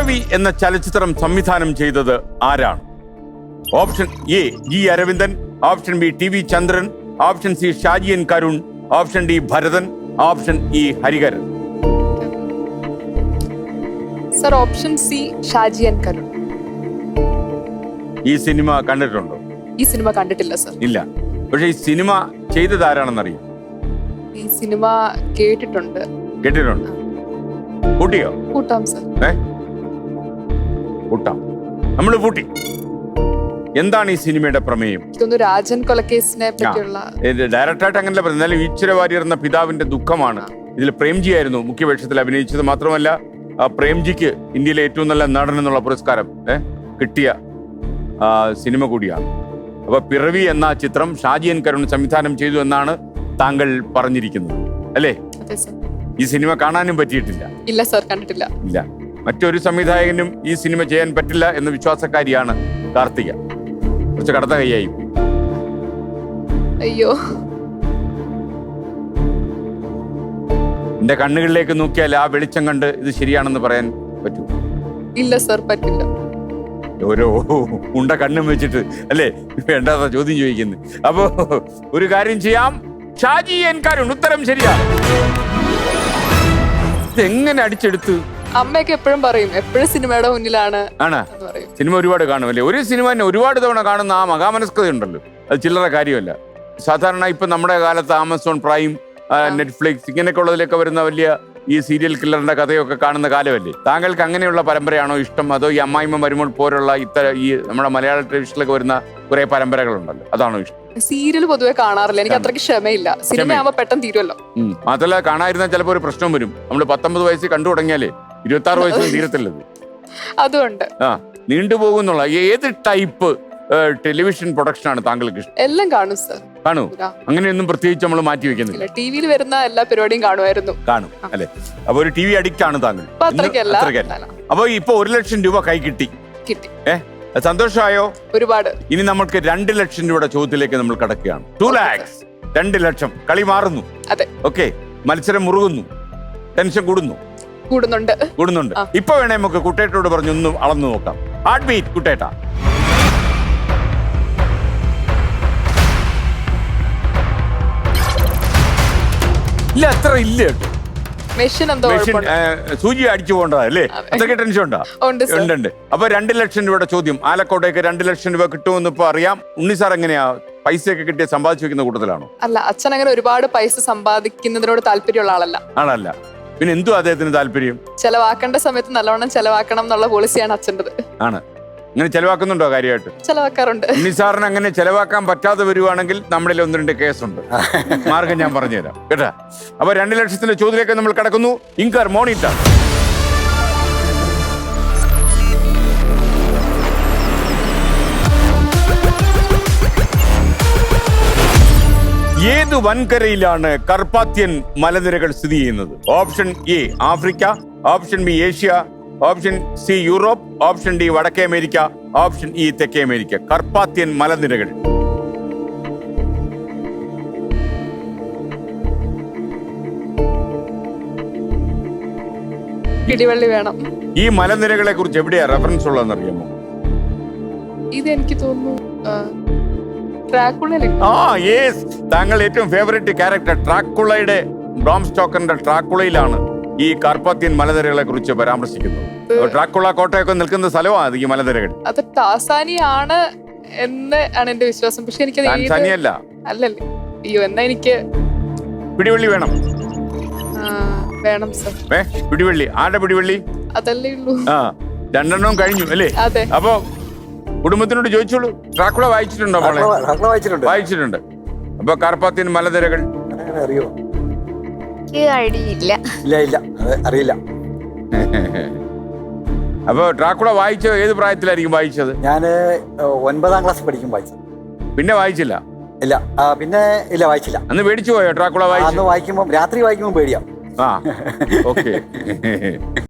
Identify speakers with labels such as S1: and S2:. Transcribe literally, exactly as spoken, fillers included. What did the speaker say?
S1: പിറവി എന്ന ചലച്ചിത്രം സംവിധാനം ചെയ്തത് ആരാണ്? Option A G Aravindan, option B T V Chandran, option C Shaji N Karun, option D Bharathan, option E Hariharan.
S2: Sir option C Shaji N Karun.
S1: ഈ സിനിമ കണ്ടിട്ടുണ്ടോ?
S2: ഈ സിനിമ കണ്ടിട്ടില്ല സർ.
S1: ഇല്ല. പക്ഷെ ഈ സിനിമ ചെയ്തത് ആരാണെന്നറിയും?
S2: ഈ സിനിമ കേട്ടിട്ടുണ്ട്.
S1: കേട്ടിട്ടുണ്ട്. കൂട്ടിയോ?
S2: കൂട്ടാം സർ.
S1: ഏ കൂട്ടാം. നമ്മള് കൂട്ടി. എന്താണ് ഈ സിനിമയുടെ പ്രമേയം?
S2: ഇതൊന്ന് രാജൻ കൊലക്കേസിനെ പറ്റിയുള്ള.
S1: ഡയറക്ടറായിട്ട് അങ്ങനല്ല പറയുന്നത്. എന്നാലും ഈശ്വര വാര്യർ എന്ന പിതാവിന്റെ ദുഃഖമാണ്. ഇതിൽ പ്രേംജി ആയിരുന്നു മുഖ്യവേഷത്തിൽ അഭിനയിച്ചത്. മാത്രമല്ല പ്രേംജിക്ക് ഇന്ത്യയിലെ ഏറ്റവും നല്ല നടൻ എന്നുള്ള പുരസ്കാരം ഏഹ് കിട്ടിയ സിനിമ കൂടിയാണ്. അപ്പൊ പിറവി എന്ന ചിത്രം ഷാജി എൻ കരുൺ സംവിധാനം ചെയ്തു എന്നാണ് താങ്കൾ പറഞ്ഞിരിക്കുന്നത്, അല്ലേ? ഈ സിനിമ കാണാനും പറ്റിയിട്ടില്ല?
S2: ഇല്ല സർ, കണ്ടിട്ടില്ല.
S1: ഇല്ല. മറ്റൊരു സംവിധായകനും ഈ സിനിമ ചെയ്യാൻ പറ്റില്ല എന്ന വിശ്വാസക്കാരിയാണ് കാർത്തിക. കുറച്ച് കടത്ത കൈയായി.
S2: അയ്യോ,
S1: എന്റെ കണ്ണുകളിലേക്ക് നോക്കിയാൽ ആ വെളിച്ചം കണ്ട് ഇത് ശരിയാണെന്ന് പറയാൻ പറ്റൂ?
S2: ഇല്ല സർ, പറ്റില്ല.
S1: ഓരോ ഉണ്ട കണ്ണും വെച്ചിട്ട് അല്ലേ വേണ്ടാത്ത ചോദ്യം ചോദിക്കുന്നത്. അപ്പോ ഒരു കാര്യം ചെയ്യാം, ഷാജി എൻ കരുൺ ഉത്തരം ശരിയാണ്. ഇതെങ്ങനെ അടിച്ചെടുത്തു?
S2: അമ്മയൊക്കെ എപ്പോഴും പറയും, എപ്പോഴും സിനിമയുടെ മുന്നിലാണ് ആണ്.
S1: സിനിമ ഒരുപാട് കാണും അല്ലേ? ഒരു സിനിമ തന്നെ ഒരുപാട് തവണ കാണുന്ന ആ മഹാമനസ്കത ഉണ്ടല്ലോ, അത് ചില്ലറ കാര്യമല്ല. സാധാരണ ഇപ്പൊ നമ്മുടെ കാലത്ത് ആമസോൺ പ്രൈം, നെറ്റ്ഫ്ലിക്സ് ഇങ്ങനെയൊക്കെ ഉള്ളതിലൊക്കെ വരുന്ന വലിയ ഈ സീരിയൽ കില്ലറിന്റെ കഥയൊക്കെ കാണുന്ന കാലമല്ലേ? താങ്കൾക്ക് അങ്ങനെയുള്ള പരമ്പരയാണോ ഇഷ്ടം, അതോ ഈ അമ്മായിമ്മ വരുമ്പോൾ പോലുള്ള ഇത്തരം ഈ നമ്മുടെ മലയാള ടെലിവിഷനിലൊക്കെ വരുന്ന കുറെ പരമ്പരകളുണ്ടല്ലോ, അതാണോ ഇഷ്ടം?
S2: സീരിയൽ പൊതുവെ കാണാറില്ല, എനിക്ക് അത്രയ്ക്ക് ക്ഷമയില്ല. സിനിമയാകുമ്പോ പെട്ടെന്ന് തീരുമല്ലോ.
S1: മാത്രമല്ല കാണാതിരുന്നാൽ ചിലപ്പോൾ ഒരു പ്രശ്നം വരും. നമ്മള് പത്തൊമ്പത് വയസ്സിൽ കണ്ടു തുടങ്ങിയാലേ ഇരുപത്തി ആറ് വയസ്സിൽ തീരത്തില്ലത്.
S2: അതുകൊണ്ട് ആ
S1: നീണ്ടുപോകുന്നുള്ള ഏത് ടൈപ്പ് ടെലിവിഷൻ പ്രൊഡക്ഷൻ ആണ് താങ്കൾക്ക് ഇഷ്ടം?
S2: എല്ലാം കാണും സർ.
S1: കാണൂ? അങ്ങനെയൊന്നും പ്രത്യേകിച്ച് നമ്മൾ മാറ്റി വെക്കുന്നില്ല.
S2: ടിവിയിൽ വരുന്ന എല്ലാ പരിപാടിയും കാണുമായിരുന്നു.
S1: കാണും അല്ലെ? അപ്പൊ ഒരു ടി വി അഡിക്റ്റ് ആണ് താങ്കൾ?
S2: അത്രയ്ക്കല്ല.
S1: അപ്പൊ ഇപ്പൊ ഒരു ലക്ഷം രൂപ കൈ കിട്ടി.
S2: കിട്ടി.
S1: ഏഹ് സന്തോഷമായോ?
S2: ഒരുപാട്.
S1: ഇനി നമ്മൾക്ക് രണ്ട് ലക്ഷം രൂപയുടെ ചോദ്യത്തിലേക്ക് നമ്മൾ കടക്കുകയാണ്. ടു ലാക്സ് രണ്ട് ലക്ഷം. കളി മാറുന്നു.
S2: അതെ.
S1: ഓക്കെ. മത്സരം മുറുകുന്നു. ടെൻഷൻ കൂടുന്നു.
S2: കൂടുന്നുണ്ട്
S1: കൂടുന്നുണ്ട് ഇപ്പൊ വേണേ നമുക്ക് കുട്ടേട്ടോട് പറഞ്ഞു ഒന്നും അളന്നു നോക്കാം. ഹാർട്ട് ബീറ്റ് കുട്ടേട്ട. ഇല്ല, അത്ര ഇല്ല കേട്ടോ.
S2: മെഷീൻ എന്തോ
S1: സൂചി അടിച്ചു പോകേണ്ടതാ അല്ലേ? അത്രയ്ക്ക് ടെൻഷൻ ഉണ്ടോ? ഉണ്ട് ഉണ്ട്. അപ്പൊ രണ്ട് ലക്ഷം രൂപയുടെ ചോദ്യം. ആലക്കോട്ടേക്ക് രണ്ട് ലക്ഷം രൂപ കിട്ടുമെന്ന് ഇപ്പൊ അറിയാം. ഉണ്ണി സാർ എങ്ങനെയാ പൈസയൊക്കെ കിട്ടിയ സമ്പാദിച്ചു വെക്കുന്ന കൂട്ടത്തിലാണോ?
S2: അല്ല, അച്ഛൻ അങ്ങനെ ഒരുപാട് പൈസ സമ്പാദിക്കുന്നതിനോട് താല്പര്യമുള്ള ആളല്ല.
S1: ആളല്ല. പിന്നെ എന്തു അദ്ദേഹത്തിന് താല്പര്യം?
S2: ചെലവാക്കേണ്ട സമയത്ത് നല്ലവണ്ണം ചെലവാക്കണം എന്നുള്ള പോളിസിയാണ് അച്ഛൻ്റെത്. ആണ്.
S1: അങ്ങനെ ചെലവാക്കുന്നുണ്ടോ കാര്യമായിട്ട്?
S2: ചെലവാക്കാറുണ്ട്.
S1: നിസാറിന് അങ്ങനെ ചെലവാക്കാൻ പറ്റാതെ വരുവാണെങ്കിൽ നമ്മളിൽ ഒന്ന് രണ്ട് കേസുണ്ട്. മാർഗം ഞാൻ പറഞ്ഞുതരാം കേട്ടാ. അപ്പൊ രണ്ട് ലക്ഷത്തിന്റെ ചോദ്യത്തിലേക്ക് നമ്മൾ കടക്കുന്നു. ഇൻകർ മോണിറ്റർ. ഏത് വൻകരയിലാണ് കർപ്പാത്യൻ മലനിരകൾ സ്ഥിതി ചെയ്യുന്നത്? Option A Africa, option B Asia, option C Europe, option D വടക്കേ അമേരിക്ക, ഓപ്ഷൻ ഇ തെക്കേ അമേരിക്ക. കർപ്പാത്യൻ മലനിരകൾ.
S2: പിടിവള്ളി വേണം.
S1: ഈ മലനിരകളെ കുറിച്ച് എവിടെയാ റെഫറൻസ് ഉള്ളതെന്ന് അറിയാമോ?
S2: ഇത് എനിക്ക് തോന്നുന്നു
S1: ആ യെസ്, താങ്കൾ ഏറ്റവും ഫേവറേറ്റ് ക്യാരക്ടർ ട്രാക്കുളയുടെ, ബ്രാം സ്റ്റോക്കറിന്റെ ട്രാക്കുളയിലാണ് ഈ കാർപ്പാത്യൻ മലനിരകളെ കുറിച്ച് പരാമർശിക്കുന്നത്. ട്രാക്കുള കോട്ടയൊക്കെ നിൽക്കുന്ന സ്ഥലമാണ് ഈ മലനിരകൾ.
S2: അത് ടാസാനിയാണ് എന്ന് ആണ് എന്റെ വിശ്വാസം. പക്ഷെ എനിക്ക്
S1: ടാൻസാനിയല്ല.
S2: അല്ലല്ലേ? അയ്യോ, എന്നാ എനിക്ക്
S1: പിടിവള്ളി വേണം.
S2: വേണം സർ.
S1: ഏ പിടിവള്ളി ആരുടെ പിടിവള്ളി?
S2: അതല്ലേ ഉള്ളൂ. ആ
S1: രണ്ടെണ്ണവും കഴിഞ്ഞു അല്ലേ?
S2: അതെ.
S1: അപ്പൊ കുടുംബത്തിനോട് ചോദിച്ചോളൂ. ട്രാക്കുള വായിച്ചിട്ടുണ്ടോ? വായിച്ചിട്ടുണ്ട്. അപ്പൊ കാർപ്പാത്യൻ മലനിരകൾ
S3: അറിയോ?
S4: അറിയില്ല.
S3: അറിയില്ല.
S1: അപ്പൊ ട്രാക്കുള വായിച്ചത് ഏത് പ്രായത്തിലായിരിക്കും വായിച്ചത്?
S3: ഞാന് ഒൻപതാം ക്ലാസ് പഠിക്കും വായിച്ചത്.
S1: പിന്നെ വായിച്ചില്ല?
S3: ഇല്ല, പിന്നെ ഇല്ല, വായിച്ചില്ല.
S1: അന്ന് പേടിച്ചു പോയോ ട്രാക്കുള വായിച്ചു?
S3: വായിക്കുമ്പോ രാത്രി വായിക്കുമ്പോ പേടിയാ.
S1: ആ ഓക്കെ.